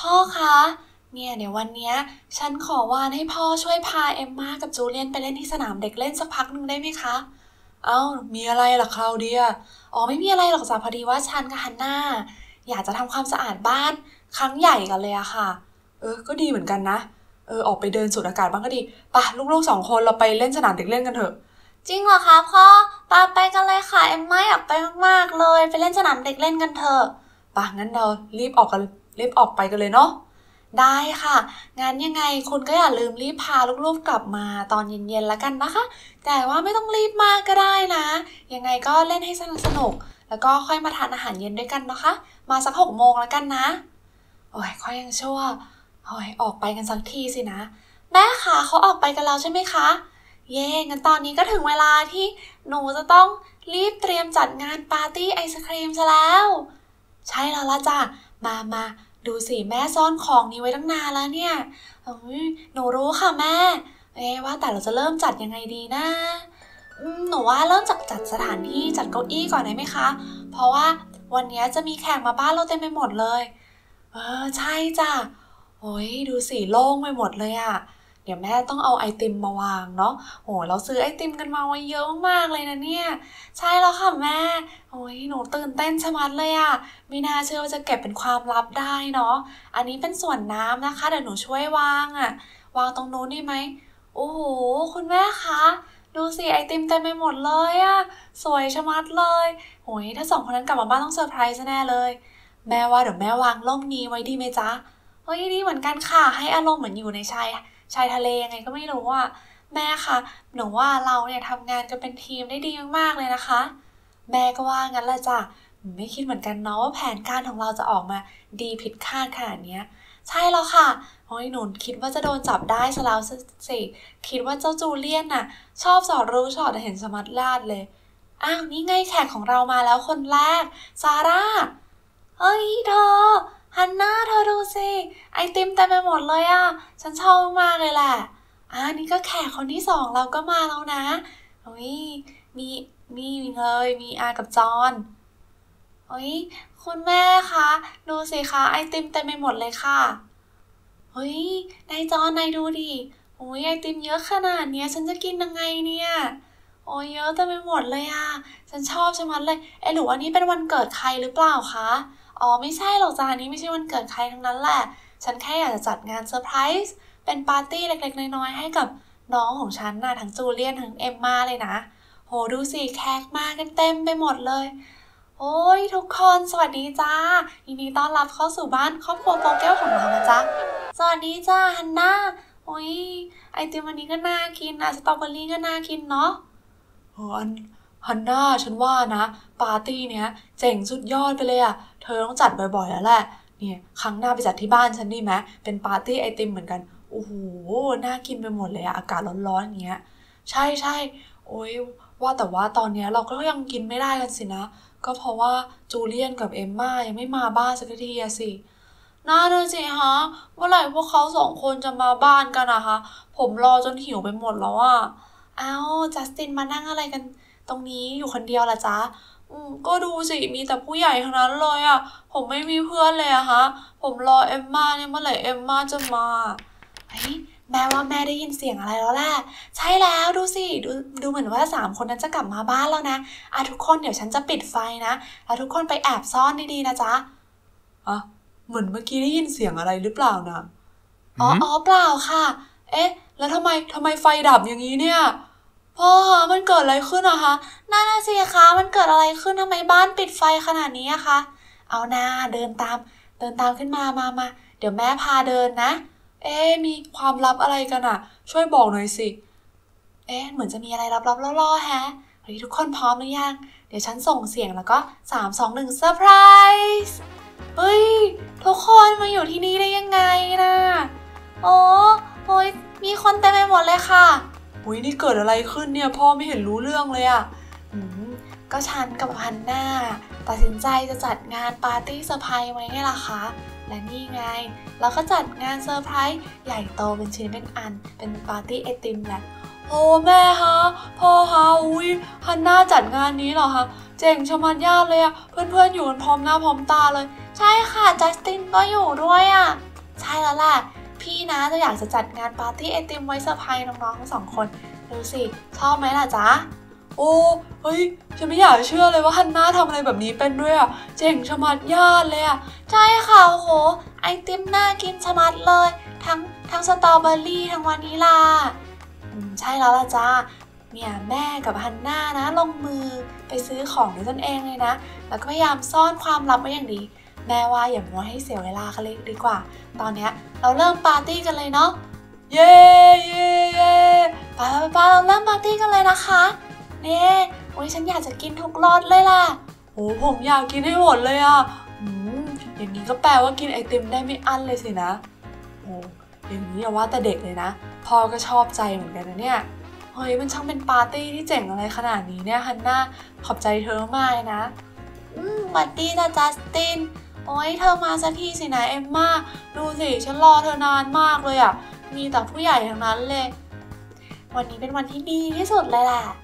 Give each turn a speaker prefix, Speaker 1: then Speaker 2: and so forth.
Speaker 1: พ่อคะเนี่ยเดี๋ยววันเนี้ยฉันขอวานให้พ่อช่วยพาเอมม่ากับจูเลียนไปเล่นที่สนามเด็กเล่นสักพักหนึ่งได้ไหมคะเอ้ามีอะไรล่ะคลาวเดียอ๋อไม่มีอะไรหรอกจ้ะพอดีว่าฉันกับฮันน่าอยากจะทำความสะอาดบ้านครั้งใหญ่กันเลยอะค่ะก็ดีเหมือนกันนะออกไปเดินสูดอากาศบ้างก็ดีป่ะลูกๆ2 คนเราไปเล่นสนามเด็กเล่นกันเถอะจริงเหรอคะพ่อไปกันเลยค่ะเอมม่าอยากไปมากๆเลยไปเล่นสนามเด็กเล่นกันเถอะป่ะงั้นเรารีบออกไปกันเลยเนาะ ได้ค่ะงั้นยังไงคุณก็อย่าลืมรีบพาลูกๆกลับมาตอนเย็นๆแล้วกันนะคะแต่ว่าไม่ต้องรีบมากก็ได้นะยังไงก็เล่นให้สนุกแล้วก็ค่อยมาทานอาหารเย็นด้วยกันนะคะมาสัก6 โมงแล้วกันนะโอ้ยค่อยยังชั่วโอ้ยออกไปกันสักทีสินะแม่คะเขาออกไปกันแล้วใช่ไหมคะเย่งั้นตอนนี้ก็ถึงเวลาที่หนูจะต้องรีบเตรียมจัดงานปาร์ตี้ไอศครีมซะแล้วใช่แล้วล่ะจ้ะมาดูสิแม่ซ่อนของนี้ไว้ตั้งนานแล้วเนี่ยหนูรู้ค่ะแม่ว่าแต่เราจะเริ่มจัดยังไงดีนะหนูว่าเริ่มจากจัดสถานที่จัดเก้าอี้ก่อนได้ไหมคะเพราะว่าวันนี้จะมีแขกมาบ้านเราเต็มไปหมดเลยใช่จ้ะโอ้ยดูสิโล่งไปหมดเลยอะเดี๋ยวแม่ต้องเอาไอติมมาวางเนาะโหเราซื้อไอติมกันมาไว้เยอะมากๆเลยนะเนี่ยใช่แล้วค่ะแม่โอ้ยหนูตื่นเต้นชะมัดเลยอะไม่น่าเชื่อว่าจะเก็บเป็นความลับได้เนาะอันนี้เป็นส่วนน้ำนะคะเดี๋ยวหนูช่วยวางอะวางตรงนู้นได้ไหมโอ้โหคุณแม่คะดูสิไอติมเต็มไปหมดเลยอะสวยชะมัดเลยโอ้ยถ้า2 คนนั้นกลับมาบ้านต้องเซอร์ไพรส์แน่เลยแม่ว่าเดี๋ยวแม่วางร่มนี้ไว้ดีไหมจ๊ะเฮ้ยดีเหมือนกันค่ะให้อารมณ์เหมือนอยู่ในชายทะเลยังไงก็ไม่รู้อ่ะแม่คะหนูว่าเราเนี่ยทำงานกันเป็นทีมได้ดีมากๆเลยนะคะแม่ก็ว่างั้นแหละจ้ะไม่คิดเหมือนกันเนาะว่าแผนการของเราจะออกมาดีผิดคาดขนาดนี้ใช่แล้วค่ะโอ้ยหนูคิดว่าจะโดนจับได้ซะแล้วสิคิดว่าเจ้าจูเลียนน่ะชอบสอดรู้สอดเห็นสมัดลาดเลยอ้าวนี่ไงแขกของเรามาแล้วคนแรกซาร่าเฮ้ยเธอฮันน่าเธอดูสิไอติมเต็มไปหมดเลยอ่ะฉันชอบมากเลยแหละนี่ก็แขกคนที่2เราก็มาแล้วนะโอ้ยมีมีเลยมีอากับจอนโอ้ยคุณแม่คะดูสิคะไอติมเต็มไปหมดเลยค่ะเฮ้ยนายจอนนายดูดิโอ้ยไอติมเยอะขนาดเนี้ยฉันจะกินยังไงเนี่ยโอ้ยเยอะเต็มไปหมดเลยอ่ะฉันชอบชะมัดเลยหรือว่านี่เป็นวันเกิดใครหรือเปล่าคะอ๋อไม่ใช่หรอกจ้านี้ไม่ใช่วันเกิดใครทั้งนั้นแหละฉันแค่อยากจะจัดงานเซอร์ไพรส์เป็นปาร์ตี้เล็กๆน้อยๆให้กับน้องของฉันน่ะทั้งจูเลียนทั้งเอมม่าเลยนะโหดูสิแขกมากันเต็มไปหมดเลยโอ้ยทุกคนสวัสดีจ้ายินดีต้อนรับเข้าสู่บ้านครอบครัวโปเกลของเรานะจ๊ะสวัสดีจ้าฮันน่าโอ้ยไอติมวันนี้ก็น่ากินนะสตรอเบอรี่ก็น่ากินเนาะฮันน่าฉันว่านะปาร์ตี้เนี้ยเจ๋งสุดยอดไปเลยอะเธอต้องจัดบ่อยๆแล้วแหละเนี่ยครั้งหน้าไปจัดที่บ้านฉันดีไหมเป็นปาร์ตี้ไอติมเหมือนกันโอ้โหน่ากินไปหมดเลยอะอากาศร้อนๆอย่างเงี้ยใช่โอ้ยว่าแต่ว่าตอนเนี้ยเราก็ยังกินไม่ได้กันสินะก็เพราะว่าจูเลียนกับเอมม่ายังไม่มาบ้านสักทีอะสิน่าดูสิฮะเมื่อไหร่พวกเขา2 คนจะมาบ้านกันอะคะผมรอจนหิวไปหมดแล้วอะอ้าวจัสตินมานั่งอะไรกันตรงนี้อยู่คนเดียวล่ะจ๊ะก็ดูสิมีแต่ผู้ใหญ่ทั้งนั้นเลยอะผมไม่มีเพื่อนเลยอะฮะผมรอเอมม่าเนี่ยเมื่อไหร่เอมม่าจะมาเฮ้ยแม่ว่าแม่ได้ยินเสียงอะไรแล้วแหละใช่แล้วดูสิดูเหมือนว่า3 คนนั้นจะกลับมาบ้านแล้วนะทุกคนเดี๋ยวฉันจะปิดไฟนะแล้วทุกคนไปแอบซ่อนดีๆนะจ๊ะเหมือนเมื่อกี้ได้ยินเสียงอะไรหรือเปล่านะอ๋อเปล่าค่ะแล้วทำไมไฟดับอย่างนี้เนี่ยพ่อคะมันเกิดอะไรขึ้นอะคะนั่นน่ะสิคะมันเกิดอะไรขึ้นทำไมบ้านปิดไฟขนาดนี้อะคะเอาหน้าเดินตามขึ้นมาเดี๋ยวแม่พาเดินนะมีความลับอะไรกันอะช่วยบอกหน่อยสิเหมือนจะมีอะไรลับๆล่อๆแฮะเฮ้ยทุกคนพร้อมหรือยังเดี๋ยวฉันส่งเสียงแล้วก็3 2 1เซอร์ไพรส์เฮ้ยทุกคนมาอยู่ที่นี่ได้ยังไงนะโอ้ยมีคนเต็มไปหมดเลยค่ะอุ้ยนี่เกิดอะไรขึ้นเนี่ยพ่อไม่เห็นรู้เรื่องเลยอะก็ฉันกับฮันน่าตัดสินใจจะจัดงานปาร์ตี้เซอร์ไพรส์ไว้ไงล่ะคะและนี่ไงเราก็จัดงานเซอร์ไพรส์ใหญ่โตเป็นชิ้นเป็นอันเป็นปาร์ตี้ไอติมแหละโอ้แม่ฮะพ่อฮะอุ้ยฮันน่าจัดงานนี้เหรอคะเจ๋งชะมัดญาติเลยอะเพื่อนๆอยู่กันพร้อมหน้าพร้อมตาเลยใช่ค่ะจัสตินก็อยู่ด้วยอะช่แล้วล่ะพี่นะจะอยากจะจัดงานปาร์ตี้ไอติมไว้เซอร์ไพรส์น้องๆทั้ง2 คนดูสิชอบไหมล่ะจ๊ะโอ้เฮ้ยฉันไม่อยากเชื่อเลยว่าฮันน่าทำอะไรแบบนี้เป็นด้วยอ่ะเจ๋งชะมัดญาติเลยอ่ะใช่ค่ะโอ้โหไอติมน่ากินชะมัดเลยทั้งสตรอเบอรี่ทั้งวานิลาใช่แล้วล่ะจ้าเนี่ยแม่กับฮันน่านะลงมือไปซื้อของด้วยตนเองเลยนะแล้วก็พยายามซ่อนความลับไว้อย่างดีแม่ว่าอย่ามัวให้เสียเวลากันเลยดีกว่าตอนเนี้ยเราเริ่มปาร์ตี้กันเลยเนาะเย้เย้เย้ไปเราเริ่มปาร์ตี้กันเลยนะคะเน่โอ้ยฉันอยากจะกินทุกรสเลยล่ะโอ้ผมอยากกินให้หมดเลยอ่ะอย่างนี้ก็แปลว่ากินไอติมได้ไม่อั้นเลยสินะโอ้อย่างนี้อย่าว่าแต่เด็กเลยนะพ่อก็ชอบใจเหมือนกันนะเนี่ยเฮ้ยมันช่างเป็นปาร์ตี้ที่เจ๋งอะไรขนาดนี้เนี่ยฮันน่าขอบใจเธอมากเลยนะสวัสดีจ้ะจัสตินโอ้ยเธอมาสักทีสินะเอมม่าดูสิฉันรอเธอนานมากเลยอ่ะมีแต่ผู้ใหญ่ทั้งนั้นเลยวันนี้เป็นวันที่ดีที่สุดเลยแหละ